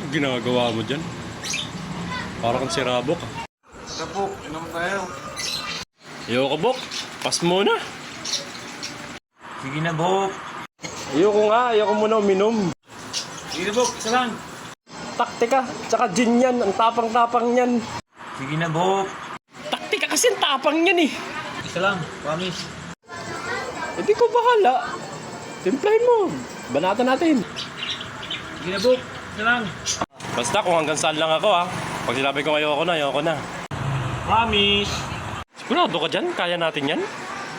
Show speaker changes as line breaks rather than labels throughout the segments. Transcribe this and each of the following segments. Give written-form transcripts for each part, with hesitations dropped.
Ginagawa mo dyan? Parang kang si Rabok.
Rabok, inom tayo.
Ayoko, Bok. Pas muna.
Sige na, Bok.
Ayoko muna uminom.
Sige na, Bok. Isa lang.
Taktika, tsaka gin yan. Ang tapang-tapang yan.
Sige na, Bok.
Taktika kasi ang tapang yan eh.
Isa lang. Promise.
Hindi ko bahala. Timplahin mo. Banatan natin.
Sige na, Bok. Isa lang.
Basta kung hanggang saan lang ako ha. Pag sinabi ko ayoko na.
Promise.
Sigurado ka dyan? Kaya natin yan?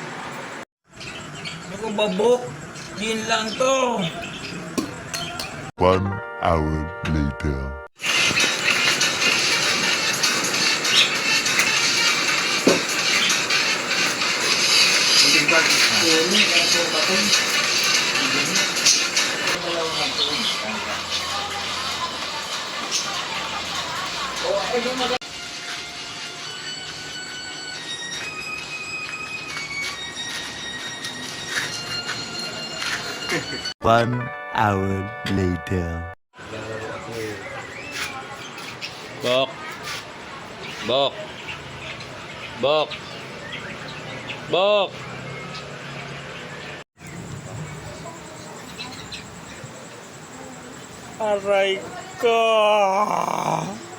Ako ba, Bok? Yun lang to.
1 hour later. One hour later.
Bok. Bok. Bok. Bok. Aray ko.